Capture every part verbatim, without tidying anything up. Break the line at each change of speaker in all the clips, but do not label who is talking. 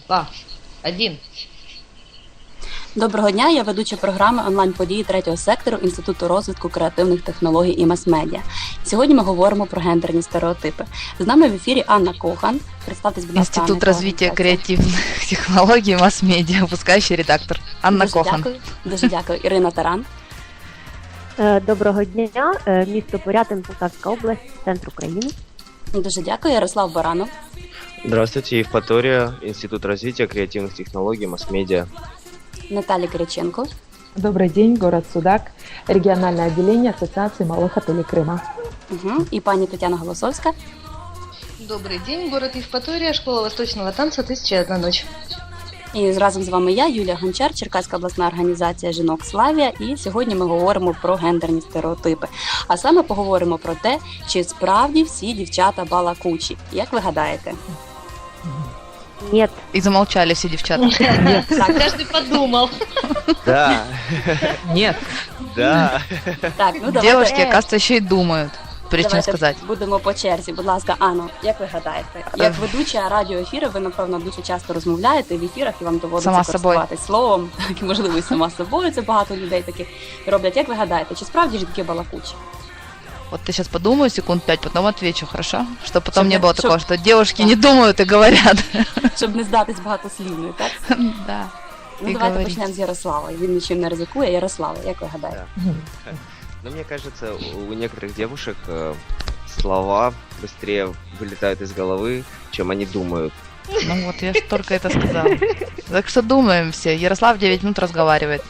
Два, один.
Доброго дня, я ведуча програми онлайн-події третього сектору Інституту розвитку креативних технологій і мас-медіа. Сьогодні ми говоримо про гендерні стереотипи. З нами в ефірі Анна Кохан. Представтесь, будь ласка,
Институт развития креативных технологий и масс-медиа, выпускающий редактор. Анна
Дуже
Кохан.
Дякую. Дуже дякую. Ірина Таран.
Доброго дня, місто Порятин, Полтавська область, центр України.
Дуже дякую. Ярослав Баранов.
Здравствуйте, Евпатория, Институт развития креативных технологий, масс-медиа.
Наталія Кириченко.
Добрый день, город Судак, региональное отделение Ассоциации малых отелей Крыма.
Угу. І пані Тетяна Голосовська.
Добрый день, город Евпатория, школа восточного танца «Тысяча и одна ночь».
І разом з вами я, Юлія Гончар, Черкаська обласна організація «Жінок Славія». І сьогодні ми говоримо про гендерні стереотипи. А саме поговоримо про те, чи справді всі дівчата балакучі. Як ви гадаєте?
Нет.
И замолчали все девчата.
Так,
Каждый подумал.
Да,
Нет.
да.
так, ну давайте,
Девушки, оказывается, еще и думают, прежде чем
давайте
сказать.
будемо по черзі. Будь ласка, Анно, як ви гадаєте? Як ведуча радіоефіру, ви, напевно, дуже часто розмовляєте в ефірах і вам доводиться
Сама собою.
користуватись словом, так і, можливо, і сама собою, це багато людей таких роблять. Як ви гадаєте, чи справді жінки балакучі?
Вот ты сейчас подумаю секунд пять, потом отвечу, хорошо? Чтобы потом
Чтоб
не
я-
было
чтоб-
такого, что девушки не думают и говорят.
Щоб не здатись багатослівною, так?
Да.
Ну,
І
давайте
говоріть.
почнемо з Ярослава. Він нічим не ризикує. Ярослава, як ви гадаєте?
Но мне кажется, у некоторых девушек э, слова быстрее вылетают из головы, чем они думают.
Ну вот, я ж только это сказала. Так что думаем все. Ярослав девять минут разговаривает.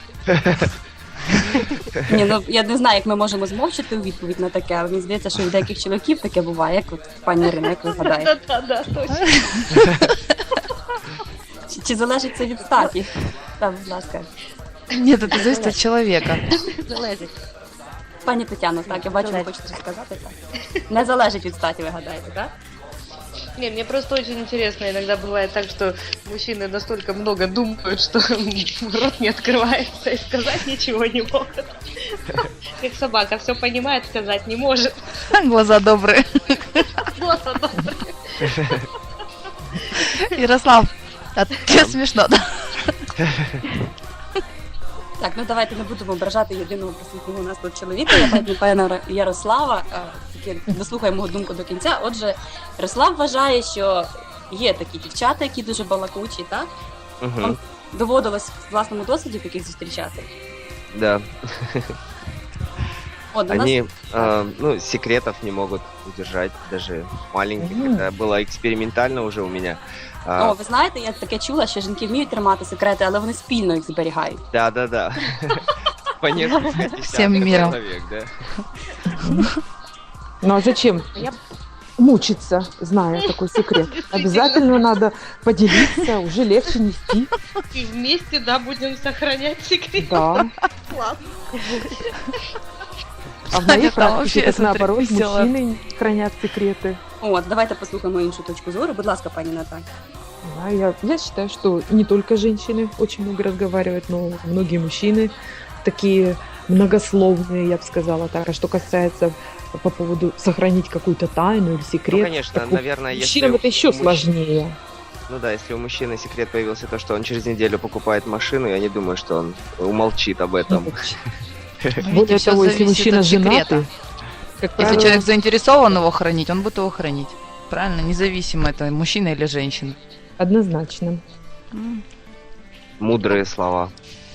Ні, ну я не знаю, як ми можемо змовчати у відповідь на таке, але мені здається, що у деяких чоловіків таке буває, як от пані Ірина, як ви гадаєте?
Да-да-да, точно.
Чи, чи залежить це від статі? Так, будь ласка.
Нет, это зависит от человека.
Залазить.
Пані Тетяно, так, я бачу, ви хочете щось сказати, так? Не залежить від статі, ви гадаєте, так?
Не, мне просто очень интересно, иногда бывает так, что мужчины настолько много думают, что рот не открывается и сказать ничего не могут. Как собака, все понимает, сказать не может.
Глаза добрые.
Глаза добрые.
Ярослав, а тебе смешно, да?
Так, ну давайте не будемо ображати єдиного присутнього у нас тут чоловіка, я пані пана Ярослава, е, таки дослухаємо його думку до кінця. Отже, Ярослав вважає, що є такі дівчата, які дуже балакучі, так?
Мгм,
Вам доводилось в власному досвіді таких зустрічати?
Да.
От, у нас...
Они, э, ну, секретов не могут удержать, даже маленьких.
Мгм.
Это было экспериментально уже у меня. А,
О, ви знаєте, я таке чула, що жінки вміють тримати секрети, але вони спільно їх зберігають.
Да, да, да. По несколько десятков
Всем миром.
человек, да.
Ну а зачем
Я-
мучиться, зная такой секрет? Обязательно надо поделиться, уже легче нести.
И вместе, да, будем сохранять секрет.
Да.
Класс.
А в моей
Это вообще,
практике, как
смотри,
наоборот,
весело.
мужчины хранят секреты.
От, давайте послухаємо іншу точку зору. Будь ласка, пані Наталя.
Да, я, я считаю, что не только женщины очень много разговаривают, но многие мужчины такие многословные, я бы сказала так. А что касается по поводу сохранить какую-то тайну или секрет,
Ну, конечно,
так у
наверное, если
мужчинам это еще
у мужч-
сложнее.
Ну да, если у мужчины секрет появился то, что он через неделю покупает машину, я не думаю, что он умолчит об этом.
Более
Видите, всё
того, если
зависит
мужчина
от секрета.
женатый, как
Если
правило,
человек заинтересован его хранить, он будет его хранить. Правильно? Независимо, это мужчина или женщина.
однозначно.
Мудрые слова.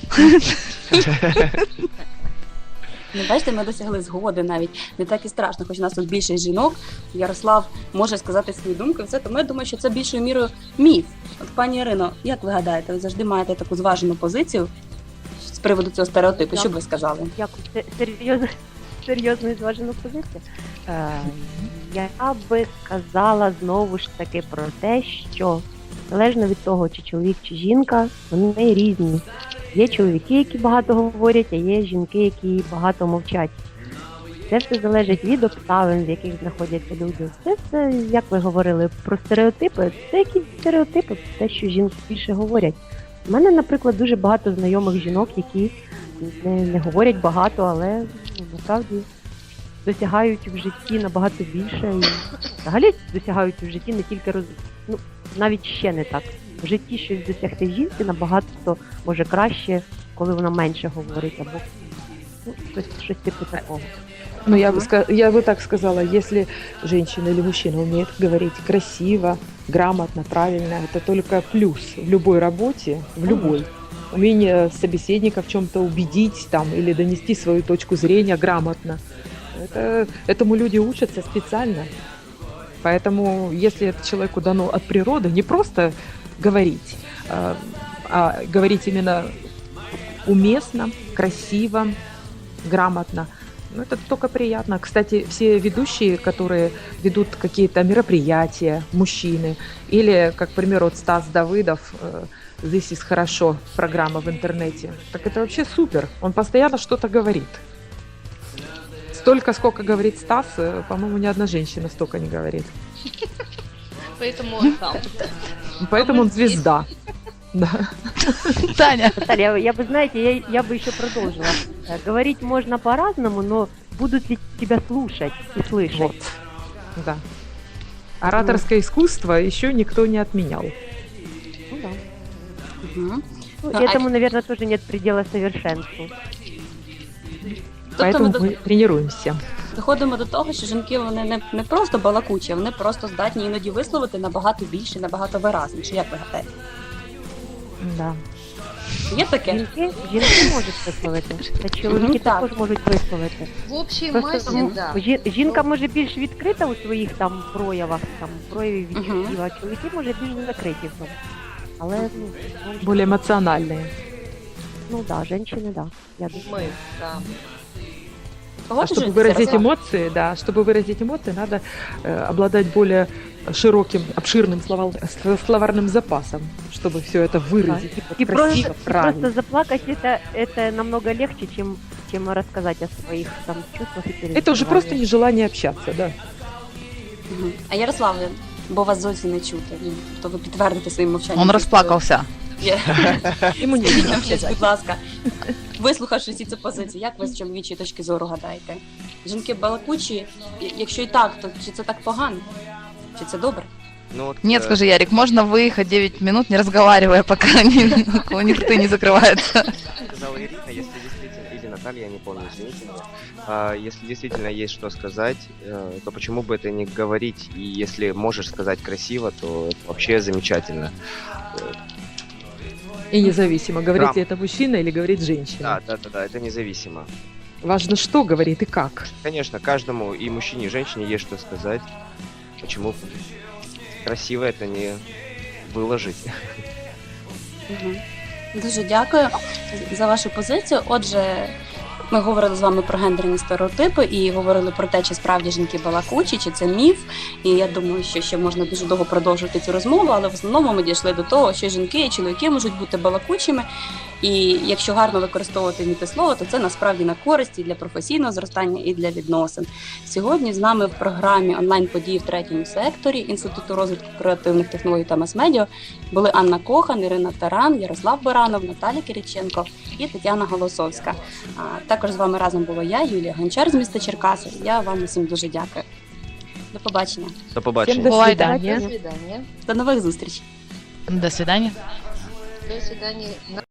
Ну, бачите, ми досягли згоди навіть. Не так і страшно, хоч у нас тут більше жінок. Ярослав може сказати свою думку, і все, тому я думаю, що це більшою мірою міф. От, пані Ірино, як ви гадаєте, ви завжди маєте таку зважену позицію з приводу цього стереотипу? Що б ви сказали?
Дякую. Це серйозно, серйозно і зважену позицію. Е, я би сказала знову ж таки про те, що залежно від того, чи чоловік, чи жінка, вони різні. Є чоловіки, які багато говорять, а є жінки, які багато мовчать. Це все залежить від обставин, в яких знаходяться люди. Це все, як ви говорили, про стереотипи. Це якісь стереотипи, те, що жінки більше говорять. У мене, наприклад, дуже багато знайомих жінок, які не, не говорять багато, але ну, насправді досягають в житті набагато більше. І взагалі досягають в житті не тільки роз... ну, навіть ще не так в житті щось досягти в жінці набагато може краще, коли вона менше говорить, або ну, щось, щось типу такого.
Ну, я бы, ска- я бы так сказала, если женщина или мужчина умеет говорить красиво, грамотно, правильно, это только плюс в любой работе, в любой. Умение собеседника в чем-то убедить там, или донести свою точку зрения грамотно. Это, этому люди учатся специально. Поэтому, если это человеку дано от природы, не просто говорить, а, а говорить именно уместно, красиво, грамотно, ну, это только приятно. Кстати, все ведущие, которые ведут какие-то мероприятия, мужчины, или, как, к примеру, вот Стас Давыдов, э, «This is хорошо», программа в интернете, так это вообще супер. Он постоянно что-то говорит. Столько, сколько говорит Стас, э, по-моему, ни одна женщина столько не говорит.
Поэтому он там.
Поэтому он звезда. Да.
Таня.
Наталья, я бы, знаете, я, я бы еще продолжила. Э, Говорить можно по-разному, но будут ли тебя слушать и слышать?
Вот. Да. Ораторское искусство еще никто не отменял.
Ну да.
Мгм.
Ну,
Ну,
этому, наверное, тоже нет предела совершенству.
Тобто ми
Поэтому
до-
мы тренируемся.
доходимо до того, що жінки вони не, не просто балакучі, вони просто здатні іноді висловити набагато більше, набагато виразніше. Як ви гадаєте?
Да.
Є таке?
Жінки, жінки можуть висловити, та чоловіки
Мгм, так.
також можуть висловити.
В общей
Просто
массе,
ну,
да.
жі- жінка може більш відкрита у своїх там проявах, там проявів
Мгм.
відчуттів, а чоловіки може більш закриті в тому. Але ну, знову ж
Более
таки,
эмоциональные.
ну да, жінки, да. Я думаю.
Мы, да.
А чтобы
Погоджуєтеся,
выразить
Ярослав?
эмоции, да, чтобы выразить эмоции, надо э, обладать более широким, обширным словал- с- словарным запасом, чтобы все это выразить
И,
вот
и
красиво,
просто, и
правильно.
просто заплакать это, это намного легче, чем, чем рассказать о своих там чувствах и переживаниях.
Это уже просто нежелание общаться, да.
Мгм. А Ярославе, бо вас зовсім не чути, ну, то ви підтвердите своїм мовчанням.
Он
що-
расплакался.
Є.
Ему не
Скажіть нам щось, будь ласка. Вислухавши всі ці позиції, як ви з чоловічої точки зору гадаєте? Жінки балакучі, І- якщо і так, то чи це так погано? Чи це добре?
Ну, вот,
Нет,
э,
скажи, Ярик, можно выехать девять минут, не разговаривая, пока ни- у них рты не закрываются?
сказала Ирина, если действительно, или Наталья, я не помню, извините меня, а, если действительно есть что сказать, э, то почему бы это не говорить, и если можешь сказать красиво, то это вообще замечательно.
И независимо, говорит
Грамм.
ли это мужчина или говорит женщина.
Да, да, да, да, это независимо.
Важно, что говорит и как.
Конечно, каждому, и мужчине, и женщине есть что сказать. Почему красиво это не выложить?
Мгм. Дуже дякую за вашу позицію. Отже, ми говорили з вами про гендерні стереотипи і говорили про те, чи справді жінки балакучі, чи це міф. І я думаю, що ще можна дуже довго продовжувати цю розмову, але в основному ми дійшли до того, що жінки і чоловіки можуть бути балакучими. І якщо гарно використовувати мітислово, то це насправді на користь і для професійного зростання, і для відносин. Сьогодні з нами в програмі онлайн-події в третьому секторі Інституту розвитку креативних технологій та мас-медіа були Анна Кохан, Ірина Таран, Ярослав Баранов, Наталя Кириченко і Тетяна Голосовська. А також з вами разом була я, Юлія Гончар з міста Черкаси. Я вам усім дуже дякую. До побачення.
До побачення.
Всем до
Бывает, да.
свидания.
До свидания.
До нових зустрічей.
До свидания.
До свидания.